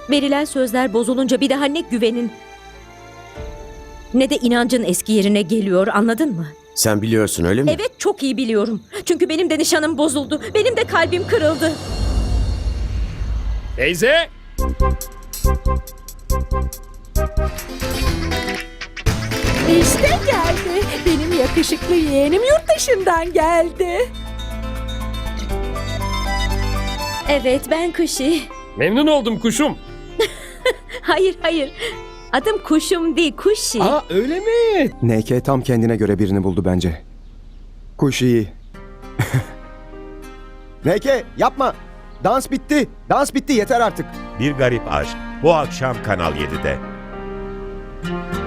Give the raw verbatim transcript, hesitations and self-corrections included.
Verilen sözler bozulunca bir daha ne güvenin ne de inancın eski yerine geliyor, anladın mı? Sen biliyorsun öyle mi? Evet, çok iyi biliyorum. Çünkü benim de nişanım bozuldu. Benim de kalbim kırıldı. Teyze! İşte geldi. Benim yakışıklı yeğenim yurt dışından geldi. Evet, ben Kuşi. Memnun oldum kuşum. Hayır, hayır. Adım Kuşum değil, Kuşi. Aa öyle mi? N K tam kendine göre birini buldu bence. Kuş iyi. N K yapma. Dans bitti. Dans bitti yeter artık. Bir Garip Aşk bu akşam Kanal yedide.